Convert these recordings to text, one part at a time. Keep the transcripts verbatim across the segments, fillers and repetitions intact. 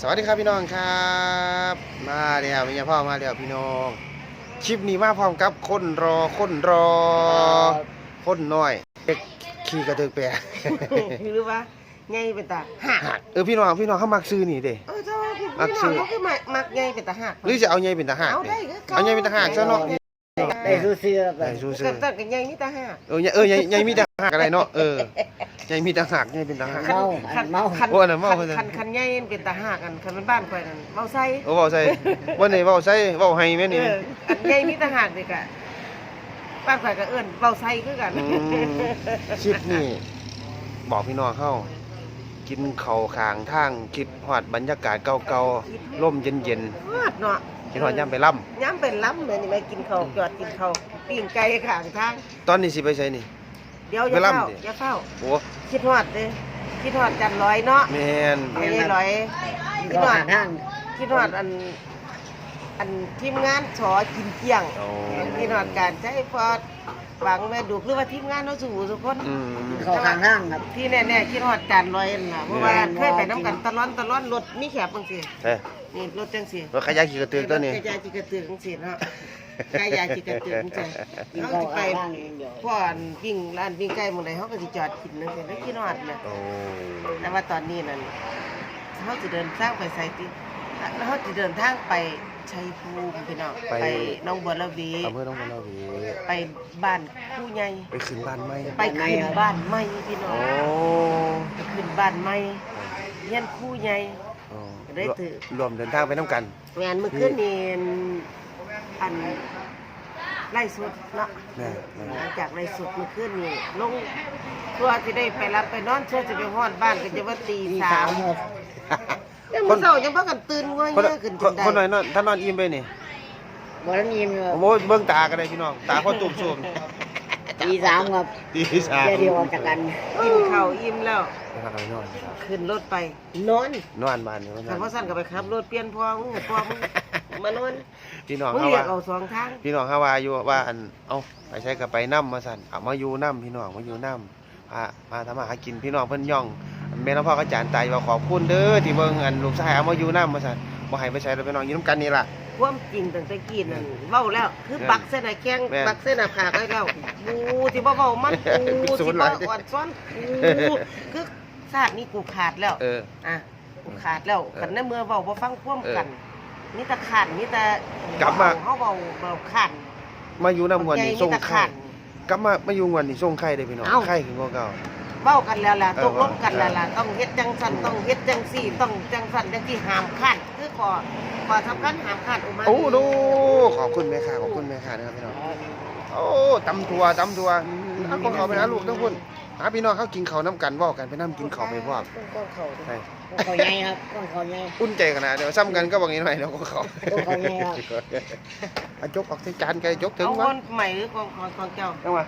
สวัสดีครับพี่น้องครับมาแล้วมีพ่อมาแล้วพี่น้องคลิปนี้มาพร้อมกับคนรอคนรอคนน้อยเด็กขี่กระเทือกแปรหรือว่าไงเป็นตาหักเออพี่น้องพี่น้องเขามักซื้อนี่เด้เออเจ้าพี่น้องเขาคือมักมักไงเป็นตาหักหรือจะเอาไงเป็นทหารเอาได้เอาไงเป็นทหารซะเนาะได้สู้เสื้อไปได้สู้ซื้ก็อตั้งกันไงมีตาหักเออเออไงไงมีทหารอะไรเนาะเออไงมีทหารไงเป็นทหารเมาเมาคันโอ้อันนั้นเมาคันคันคันไงเป็นตาหักกันคันเป็นบ้านข่อยนั่นเมาใส่โอ้เว้าใส่วันนี้เว้าใส่เว้าให้แม่เอนี่ออันไงมีตาหักเด็กอะบ้านข่อยก็เอื้อนเมาใส่คือกันอืมคลิปนี้บอกพี่น้องเข้ากินข้าวข้างทางคิดฮอดบรรยากาศเก่าๆลมเย็นฮอดเนาะๆคิดฮอดย่ำไปล่ำย้ำเป็นล้ำเลยนี่ไปกินข้าวจอดกินข้าวปิ้งไก่ข้างทางตอนนี้สิไปใช้นี่เดี๋ยวอย่าไปล้ำเฝ้าดิอย่าเฝ้าโอ้คิดฮอดเด้คิดฮอดจันร้อยเนาะแมนไม่ใช่ร้อยคิดก็ฮอหาดทางคิดฮอดอันอันทีมงานฉอกินเกี้ยงโอ้คิดฮอดการใช้พอดหวังแม่ดูหรือว่าทีมงานเราสู่ทุกคนอืมเขาทางทางครับที่แน่ๆคิดฮอดจันร้อยนั่นล่ะเพราะว่าเคยไปน้ำกันตะล้อนตะล้อนรถมีแขบจังซี่เอ้ยนี่รถจังซี่รถขยะขี่กระตือกตัวนี้กระยาจิกระตือกจังซี่เนาะกระยาจิกระตือกจังซี่กินเขาเขาสิไปทางเดียวพ่ออันวิ่งร้านวิ่งใกล้หมื้อใดเขาก็สิจอดกินจังซี่แล้วคิดฮอดน่ะโอ้แต่ว่าตอนนี้นั่นเขาจะเดินทางไปไซติแล้วเขาจะเดินทางไปชัยภูมิพี่น้องไปหน้องบัวระเวอำเภอหนองบัวระเวไปบ้านผู้ใหญ่ไปขึ้นบ้านไหมไปขึ้นบ้านใหม่พี่น้อโอ้งไปขึ้นบ้านใหม่เฮียนผู้ใหญ่โอ้ได้ถือรวมเดินทางไปน้ำกันงานเมื่อคืนนี้อันไล่สุดเนาะแม่แม่หลังจากไล่สุดเมื่อคืนนี้ลงตัวจะได้ไปรับไปนอนเชื่อจะไปฮอดบ้านก็จะว่าตีมีสาสามมหกยังมื้อเช้ายังพากันตื่นง่อยคนเงี้ยขึ้นจคนนได้คนหน่อยนอนถ้านอนอิ่มไปนี่บอลนีมอยู่โอ้โหเบิ่งตากันเลยพี่น้องตาพ่อตุ่มสูมตีสามครับตีสามเดี๋ยวเดียวออกจากกันกินข้าวอิ่มแล้วนะครับไปนอนครับขึ้นรถไปนอนนอนบ้านนี่นอนขับพ่อสั้นก็ไปขับรถเปลี่ยนพอมึงเห็นพอมึงมานอนพี่น้องมึงเขาเรียว่ากเอาสองทางพี่น้องเขาว่าอยู่ว่าอันเอ้าไปใช้กับไปน้ำมาสั่นเอามาอยู่น้ำพี่น้องมาอยู่น้ำพามาทำมาหากินพี่น้องเพิ่นย่องแม่น้องพ่อก็จานตายว่าขอบคุณเด้อที่เบิ่งอันลูกชายเอามาอยู่น้ำมาสั่นบ่ให้ไปใช้แล้วพี่น้องอยู่น้ำกันนี่ล่ะความจริงตั้งแต่กี้นั่นเว้าแล้ว คือปักเส้นหน้าแข้งแม่นปักเส้นหน้าผากไว้แล้วกูที่บ่เว้ามันกูศูที่นย์หบ่ลายอ่อนซ้อนกูคือชาตินี้กูขาดแล้วเอออ่ะกูขาดแล้วเออกันในเมื่อเว้าบ่ฟังความกันเอมีแต่ขาดมีแต่กลับมาเฮาเว้าเว้าขาดมาอยู่น้ำวันนี้มีส่งแต่ไข่ขาดกลับมามาอยู่วันนี้ส่งไข่ได้พี่น้องเอ้าไข่ขึ้นกว่าเก่าเว้ากันแล้วล่ะเออตกลงกันแล้วล่ะเออต้องเฮ็ดจังซั่นต้องเฮ็ดจังซี่ต้องจังซั่นจังซี่ห้ามขาดคือขอขอสำคัญห้ามขาดอุมาโอ้ดูขอบคุณแม่ค่ะขอบคุณแม่ค่ะนะครับพี่น้องโอ้ตำทัวตำทัวเอาของเขาไปหาลูกทั้งคนหาพี่น้องเขากินข้าวน้ำกันเว่ากันไปน้ำกินข้าวไปพร้อมต้องก้อนเขาด้วยใช่ต้องเขาใหญ่ครับต้องเขาใหญ่อุ่นใจขนาดเดี๋ยวซ้ำกันก็บางนี้หน่อยเดี๋ยวก็เขาต้องเขาใหญ่ครับเอาจกออกใส่จานไก่จกถึงเอาวะคนใหม่หรือของของของเจ้าเอามา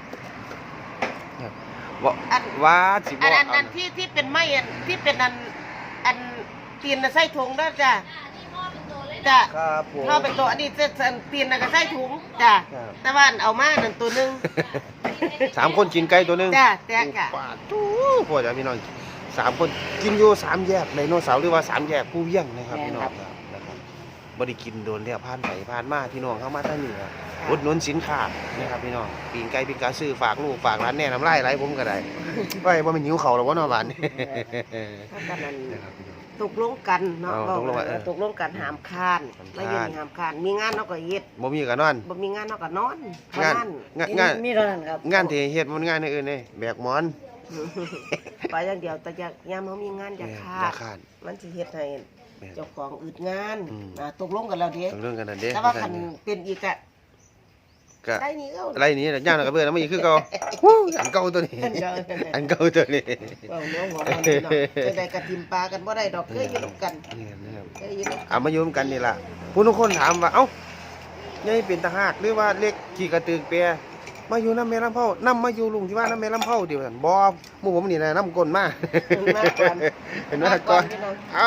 ว่าอันว่าสิบอันว่าอันอันที่ที่เป็นไม้อันที่เป็นอันอันตีนน่ะใส่ถุงด้วยจ้ะจ้ะครับผมเข้าเป็นตัวอันนี้จะอันตีนน่ะก็ใส่ถุงจ้ะครับแต่ว่าอันเอามาหนึ่งตัวหนึงสามคนกินไก่ตัวหนึงจ้ะแตกอะปาดทูพวกจ้ะพี่น้องสามคนกินอยู่สามแยกไดโนเสาร์หรือว่าสามแยกผู้เยี่ยงนะครับพี่น้องครับนะครับบริกินโดนแล้วผ่านไปผ่านมาพี่น้องเข้ามาท่านนี่ครับอุดหนุนสินค้านะครับพี่น้องปีนไก่ปีนกาซื้อฝากลูกฝากร้านแน่น้ำลายไหลผมก็ได้ไว้ว่ามันหิวเข่าวหรอวะเนาะบ้านนี้ถ้ากันนั้นนะครับพี่น้องตกลงกันเนาะเอาบอกตกลงว่าเออตกลงกันหามคานหามคานแล้วอยู่นี่หามคานมีงานเนาะก็เฮ็ดบ่มีกันนอนบ่มีงานเนาะก็นอนเท่างานนั้นงานงานมีเท่านั้นครับงานที่เฮ็ดมันงานอื่นๆนี่แบกหมอนไปอย่างเดียวแต่อยากยามเฮามีงานอยากขาอย่าดขาดมันสิเฮ็ดให้แม่นเจ้าของอึดงานอืมอ่าตกลงกันแล้วเด้ต้องเรื่องกันนั่นเด้แต่ว่าคันเป็นอีกอะก็ได้นี่เอาอะไรนี่ย่างแล้วก็เบื่อแล้วมันอีกคือเก่าฮู้อันเก่าตัวนี้อันเก่าอันเก่าตัวนี้เอาเนาะหัวมันนี่เนาะจะได้กระทิมปลากันบ่ได้ดอกเคยอยู่นำกันนี่นะครับเคยอยู่นำกันเอามาอยู่นำกันนี่ล่ะผู้ทุกคนถามว่าเอ้าใหญ่เป็นตาหากหรือว่าเล็กขี่กระตือกแปรมาอยู่น้ำแม่ลำเผาน้ำมาอยู่ลุงที่ว่าน้ำแม่ลำเผาเดียวกันบ่หมู่ผมนี่นะน้ำก้นมามาก่อนเห็นไหมก่อนพี่น้องเอา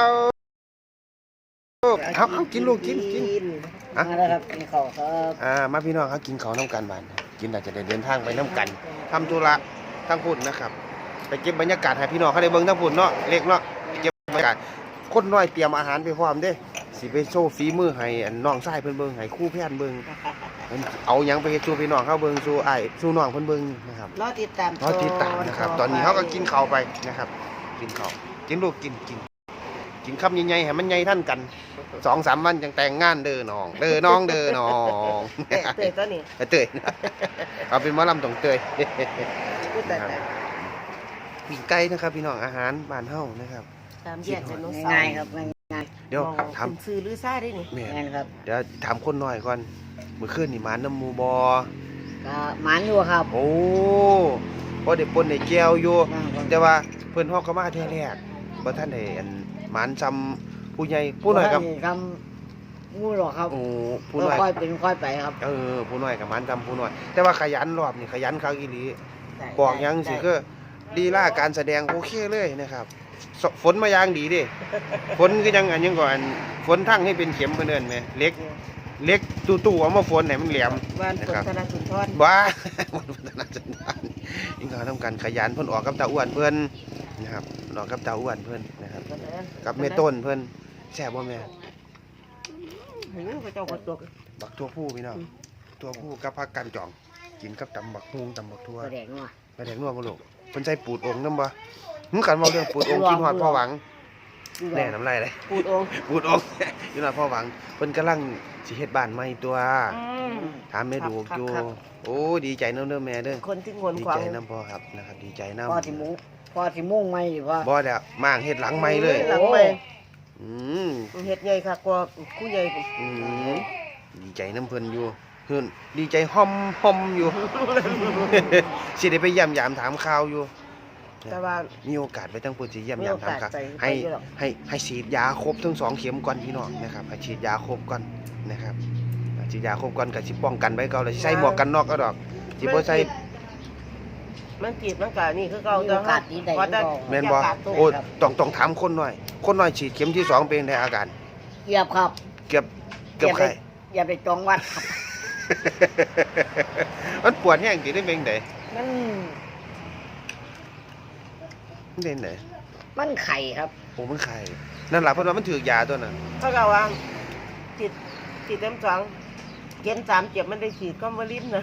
เอาเอากินลูกกินกิน อ่ะมาแล้วครับกินข้าวครับอ่ามาพี่น้องเขากินเขาวน้ำกันบ้านกินอาจจะได้เดินทางไปน้ำกันทำธุระทั้งพุ่นนะครับ ไปเก็บบรรยากาศให้พี่น้องเขาได้เบิ่งทั้งพุ่นเนาะเล็กเนาะไปเก็บบรรยากาศคคนน้อยเตรียมอาหารไปพร้อมเด้สิไปโชว์ฝีมือให้อันน้องชายเพิ่นเบิ่งให้ครูแพทย์เบิ่งเอาหยังไปเฮ็ดสู่พี่น้องเฮาเบิ่งสู่อ้ายสู่น้องเพิ่นเบิ่งนะครับรอติดตามรอติดตามนะครับตอนนี้เฮาก็กินข้าวไปนะครับกินข้าวกินลูกกินกินกินคำใหญ่ๆให้มันใหญ่ทันกัน สองสามวันจังแต่งงานเด้อน้องเด้อน้องเด้อน้องเตะเตะตัวนี้เตยนะเอาเป็นหมอลำต้องเตยพูดแต่แต่ปีกไก่นะครับพี่น้องอาหารบ้านเฮานะครับตามแยกไดโนเสาร์ง่ายๆครับง่ายเดี๋ยวมองถามเป็นซื้อหรือซ่าได้นี่แม่ๆง่ายครับเดี๋ยวถามคนหน่อยก่อนเมื่อคืนนี่หมาน้ำหมูบอก็หมันอยู่ครับโอ้พอได้ปนได้แก้วอยู่แต่ว่าเพิ่นฮอกเข้ามาเทื่อแรกบ่ทันได้อันหมานซ้ำผู้ใหญ่ผู้น้อยกับทำงูหรอกครับโอ้ผู้น้อยค่อยเป็นค่อยไปครับเออผู้น้อยกับหมานซ้ำผู้น้อย แต่ว่าขยันรอบนี่ขยันคักอีหลีบอกหยังสิคือลีลาการแสดงโอเคเลยนะครับสฝนมาอย่างดีเด้ฝนคือจังอันยังก่อนฝนทั้งให้เป็นเข็มเพิ่นเอิ้นแหมเล็กเล็กตู้ๆเอามาฝนให้มันแหลมบ้านฝนธนาสุนทรบ้า มันพัฒนาจังหวัดยิ่งเขาทำการขยันเพิ่นออกกับตาอ้วนเพิ่นนะครับออกกับตาอ้วนเพิ่นนะครับกับแม่ต้นเพิ่นแซ่บบ่แม่หูเขาเจ้าก็ตัวบักทั่วผู้พี่น้องทั่วผู้กับผักกันจอง กินกับตำบักฮุงตำบักทั่วแสดงว่าไปแดกนัวบ่ลูกเพิ่นใส่ปูดองค์นำบ่มึงกันเว้าเรื่องปูดองค์กินฮอดพ่อหวังแน่น้ำลายเลยปูดองค์ปูดองค์ กินฮอดพ่อหวังเพิ่นกำลังสิเฮ็ดบ้านใหม่ตัวอืมถามแม่ดูกอยู่ครับโอ้ดีใจนำเด้อแม่เด้อคนที่งวนดีขวาใจงนำพ่อครับนะครับดีใจนำพ่อที่มุ้งพ่อที่มุ่งไม่หรือว่าบ่แล้วมางเฮ็ดหลังใหม่เลยหลังใหม่อืมเฮ็ดใหญ่ค่ะกว่าคู่ใหญ่ผมอืมดีใจน้ำเพิ่นอยู่เพิ่นดีใจห่อมห่อมอยู่ สิได้ไปเยี่ยมยามถามข่าวอยู่แต่ว่ามีโอกาสไปทั้งเพิ่นสิเยี่ยมมียาโอมถามกาสข่าวไปให้ไปอยู่หรอกให้ให้ฉีดยาครบทั้งสองเข็มก่อนพี่น้องนะครับให้ฉีดยาครบก่อนนะครับฉีดยาครบก่อนก็สิป้องกันไว้เก่าแล้วสิใส่หมวกกันน็อกก็ดอกสิบ่ใส่มันจีบมันก็นี่คือเก่ามีโอกาสดีใดว่าแต่ก็แม่นบ่ยากาศตกโอ้ต้องต้องถามคนหน่อย คนหน่อยฉีดเข็มที่สองเป็นไงอาการเหยียบครับเกือบเกือบไข้อย่าไปจองวัดครับมันปวดแห้งสิได้เป็นไดมันมันเป็นไดมันไข่ครับโอ้มันไข้นั่นล่ะเพิ่นว่ามันถือยาตัวนั้นเขาก็ว่าจีบจีบเต็มสองเข็มสามเจ็บมันได้ฉีดก็มาลิ้นนะ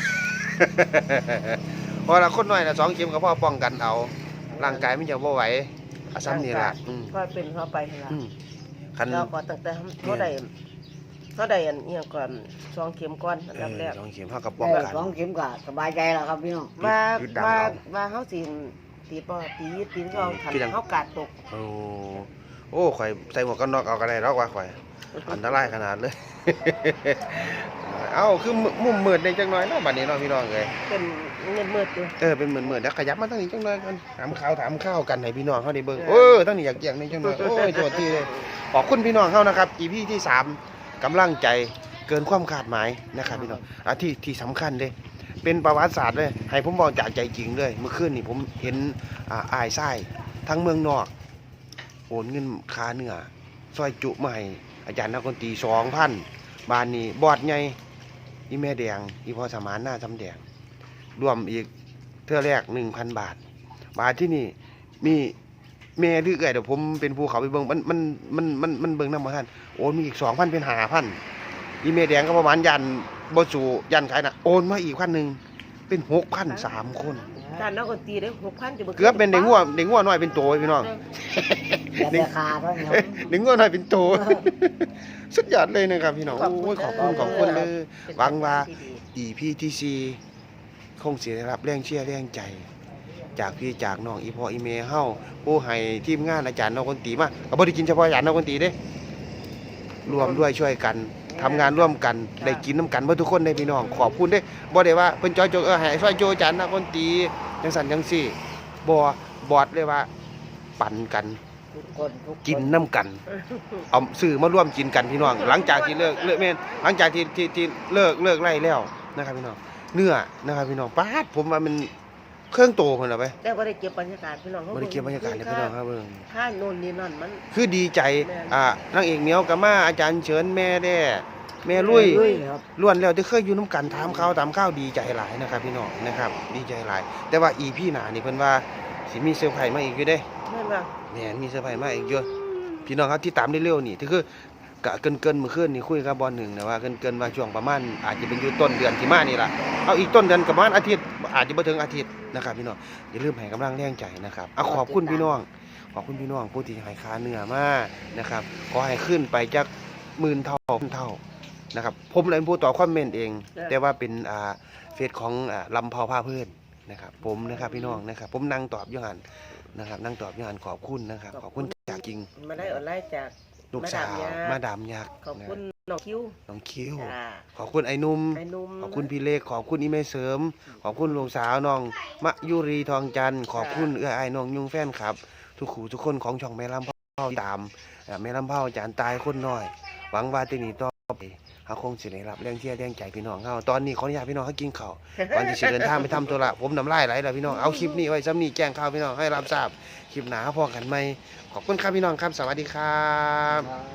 พอละคนน้อยละสองเข็มก็พอป้องกันเอาร่างกายมันจะบ่ไหวอาซ้ำนี่ล่ะอืมก็เป็นเข้าไปนั่นล่ะอืมคันเราก็ตั้งแต่เขาได้เขาได้อันเอียงก่อนสองเข็มก่อนอันเอดับแรอก สองเข็มเฮาก็ป้องได้กันสองเข็มก็สบายใจแล้วครับพี่น้องว่ายึดดังว่าเอาว่าเขาสิตีบ่ตีตีนก็เอาขันคือจังเขากาดตกโอ้โอ้ข่อยใส่หมวกกันน็อกเอาก็ได้ดอกว่าข่อยอันตรายขนาดเลย เอ้าคือมุมมืดในจังน้อยเนาะบัดนี้เนาะพี่น้องเอ้ยเป็นเงินมืดอยู่เออเป็นเหมือนเหมือนเดี๋ยวขยับมาทางนี้จังเลยกันถามข่าวถามข้าวกันให้พี่น้องเขาได้เบิ่งเออทางนี้อยากเกี่ยงนี่จังเลยโอ้ยโทษทีเลยขอบคุณพี่น้องเขานะครับ อี พี ที่สามกำลังใจเกินความคาดหมายนะครับพี่น้องอ่ะที่ที่สำคัญเลยเป็นประวัติศาสตร์เลยให้ผมบอกจากใจจริงเลยเมื่อคืนนี่ผมเห็นอ่าอายไส้ทั้งเมืองนอกโอนเงินค่าเนื้อซอยจุมาให้อาจารย์นักดนตรีสองพันบานนี้บอดไงอีแม่แดงอีพ่อสมานหน้าจำแดง รวมอีกเทื่อแรกหนึ่งพันบาท บาทที่นี่มีแม่ดื้อเอ้ยเดี๋ยวผมเป็นภูเขาไปเบิ่งมันมันมันมันมันเบิ่งน้ำมาท่านโอนมีอีกสองพันเป็นห้าพันอีเมแดงก็ประมาณยันบ่สู่ยันขายน่ะโอนมาอีกพันหนึ่งเป็นหกพันสามคนการนักดนตรีได้หกพันจะเกือบเป็นเด็กงัวเด็กงัวน้อยเป็นโตพี่น้องอย่าไปคาเท่านี้ครับเด็กงัวน้อยเป็นโต สุดยอดเลยนะครับพี่น้องโอ้ยขอบคุณขอบคุณเลยหวังว่า อี พี ที่สี่คงสิได้รับแรงเชียร์แรงใจ จากพี่จากน้องอีพ่ออีเมเฮาผู้ให้ทีมงานอาจารย์นอกดนตรีมาก็บ่ได้กินเฉพาะอาจารย์นอกดนตรีเด้รวมด้วยช่วยกันทำงานร่วมกันได้กินน้ำกันเบ่ทุกคนได้พี่น้องขอบคุณเด้บ่ได้ว่าเพิ่นจอยโจเออให้ช่วยโจอาจารย์นอกดนตรีจังซั่นจังซี่บ่บอดเลยว่าปั่นกันทุกคนทุกคกินน้ำกัน เอาซื้อมาร่วมกินกันพี่น้อง หลังจากที่เลิกเลิกแม่นหลังจากที่ที่ที่เลิกเลิกไล่แล้วนะครับพี่น้องเนื้อนะครับพี่น้องป๊าดผมว่ามันเครื่องโตคนละไปแต่บ่ได้เก็บบรรยากาศพี่น้องบริเก็บบรรยากาศเลยพี่น้องครับเบิ่งค่าโน่นนี่นั่นมันคือดีใจแม่นอ่านางเอกเหมียวกับมาอาจารย์เฉินแม่แด้แม่ลุยลุยครับล้วนแล้วที่เคยอยู่น้ำกันถามข่าวถามข้าวดีใจหลายนะครับพี่น้องนะครับดีใจหลาย แต่ว่าอีพี่หนานี่เพิ่นว่าสิมีเซอร์ไพรส์มาอีกอยู่เด้แม่นว่าแม่นมีเซอร์ไพรส์มาอีกเยอะพี่น้องครับที่ตามได้เร็วนี่ที่คือกะเกินเกินๆมื้อคืนนี่คุยกับบอลหนึ่งนะว่าเกินเกินๆว่าช่วงประมาณอาจจะเป็นอยู่ต้นเดือนที่มานี่ล่ะเอาอีกต้นเดือนประมาณอาทิตย์อาจจะบ่ถึงอาทิตย์นะครับพี่น้องอย่าลืมให้กำลังแรงใจนะครับเอาขอบคุณพี่น้องขอบคุณพี่น้องผู้ที่ให้ค่าเนื้อมานะครับขอให้ขึ้นไปจากหมื่นเท่าพันเท่านะครับผมเลยเป็นผู้ตอบคอมเมนต์เอง แต่ว่าเป็นอ่าเฟซของอ่าลำเผาผ้าเพื่อนนะครับผมนะครับพี่น้องนะครับผมนั่งตอบอยู่หันนะครับนั่งตอบอยู่หันขอบคุณนะครับขอบคุณจากจริงมาได้ออนไลน์จากลูกสาวมาดามยักษ์ขอบคุณน้องคิวน้องคิวจ้าขอบคุณไอ้หนุ่มไอ้หนุ่มขอบคุณพี่เล็กขอบคุณอีเมเสริม ขอบคุณลูกสาวน้องมะยุรีทองจันทร์ขอบคุณเอื้อไอ้ายน้องยุงแฟนครับ ทุกขู่ทุกคนของช่องแม่ลำเผาตามอ่าแม่ลำเผาจานตายคนน้อย หวังว่าที่นี่ต่อไปเฮาคงสิได้รับแรงเชียร์แรงใจพี่น้องเฮาตอนนี้ขออนุญาตพี่น้องเฮากินข้าวก่อนที่จะเดินทางไปทำธุระผมน้ำลายไหลแล้วพี่น้องเอาคลิปนี้ไว้ซ้ำนี้แจ้งข่าวพี่น้องให้รับทราบคลิปหน้าพอกันใหม่ขอบคุณครับพี่น้องครับสวัสดีครับครับ